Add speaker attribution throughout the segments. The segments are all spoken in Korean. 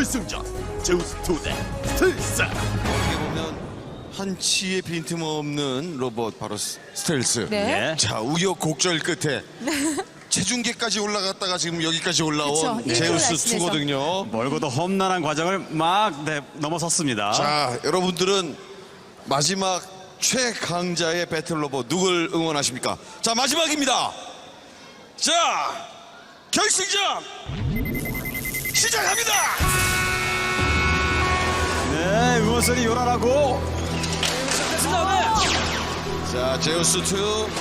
Speaker 1: 결승전 제우스 2대 스텔스.
Speaker 2: 어떻게 보면 한치의 빈틈없는 로봇 바로 스텔스.
Speaker 3: 네.
Speaker 1: 예.
Speaker 2: 자, 우여곡절 끝에 체중계까지 올라갔다가 지금 여기까지 올라온
Speaker 3: 그쵸,
Speaker 2: 제우스
Speaker 3: 일주일
Speaker 2: 2거든요.
Speaker 4: 멀고도 험난한 과정을 막 넘어섰습니다.
Speaker 2: 자, 여러분들은 마지막 최강자의 배틀 로봇 누굴 응원하십니까? 자, 마지막입니다. 자, 결승전 시작합니다.
Speaker 4: 네, 응원선이 요란하고
Speaker 2: 자, 제우스 2.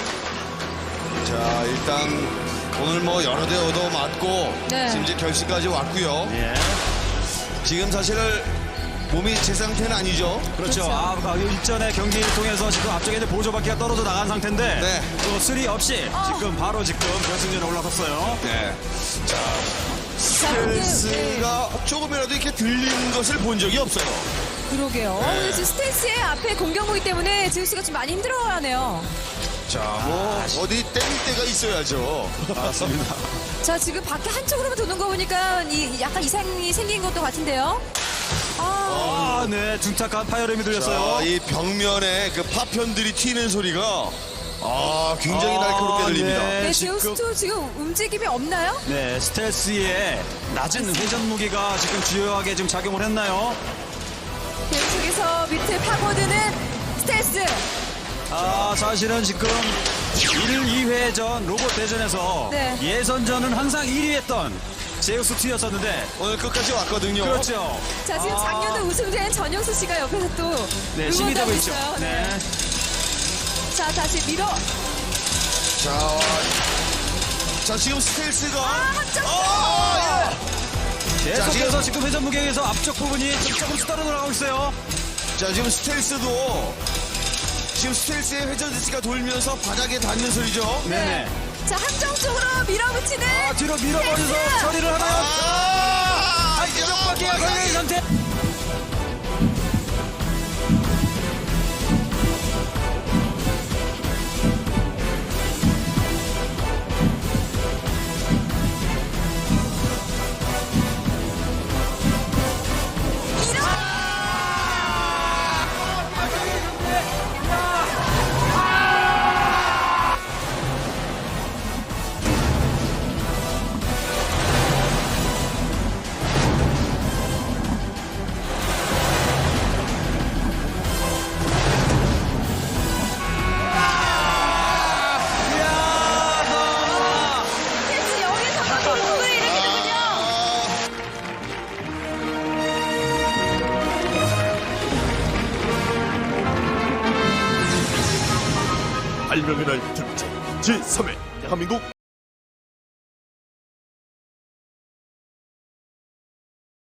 Speaker 2: 자, 일단 오늘 뭐 여러 대 얻어 맞고
Speaker 3: 네.
Speaker 2: 지금 이제 결승까지 왔고요.
Speaker 4: 예.
Speaker 2: 지금 사실 몸이 제 상태는 아니죠.
Speaker 4: 그렇죠. 일전의 경기를 통해서 지금 앞쪽에 있는 보조바퀴가 떨어져 나간 상태인데
Speaker 2: 네.
Speaker 4: 또 수리 없이 지금 바로 결승전에 올라섰어요.
Speaker 2: 네. 자,
Speaker 3: 자, 근데, 네.
Speaker 2: 스텔스가 조금이라도 이렇게 들리는 것을 본 적이 없어요.
Speaker 3: 그러게요. 근데 지금 스텔스의 앞에 공격무기 때문에 제우스가 좀 많이 힘들어하네요.
Speaker 2: 자, 뭐 어디 땡 때가 있어야죠.
Speaker 4: 맞습니다.
Speaker 3: 자, 지금 밖에 한쪽으로만 도는 거 보니까 약간 이상이 생긴 것도 같은데요.
Speaker 4: 아, 네, 둔탁한 파열음이 들렸어요.
Speaker 2: 자, 이 벽면에 그 파편들이 튀는 소리가 굉장히 날카롭게 들립니다.
Speaker 3: 네,
Speaker 4: 지금,
Speaker 3: 제우스2 지금 움직임이 없나요?
Speaker 4: 네, 스텔스의 낮은 회전 무기가 지금 주요하게 지금 작용을 했나요?
Speaker 3: 계속해서 밑을 파고드는 스텔스.
Speaker 4: 사실은 지금 1, 2회전 로봇 대전에서
Speaker 3: 네.
Speaker 4: 예선전은 항상 1위 했던 제우스 2였었는데
Speaker 2: 오늘 끝까지 왔거든요.
Speaker 4: 그렇죠.
Speaker 3: 자, 지금 작년에 우승된 전영수 씨가 옆에서 또
Speaker 4: 네, 신이 되고
Speaker 3: 응원하고
Speaker 4: 있죠.
Speaker 3: 있어요.
Speaker 4: 네.
Speaker 3: 자, 다시 밀어.
Speaker 2: 자, 지금 스텔스가
Speaker 3: 합정.
Speaker 4: 계속해서 지금 회전 무게에서 앞쪽 부분이 조금씩 떨어져나가고 있어요.
Speaker 2: 자, 지금 스텔스도 지금 스텔스의 회전 디스가 돌면서 바닥에 닿는 소리죠.
Speaker 4: 네네.
Speaker 3: 자, 함정 쪽으로 밀어붙이는.
Speaker 4: 뒤로 밀어버려서
Speaker 3: 스텔스!
Speaker 4: 처리를 하나요? 한쪽 바퀴가 걸려있는 상태.
Speaker 3: 스텔스 여기서 바로 공을 일으키는군요.
Speaker 1: 발명의 날 특집 제3회 대한민국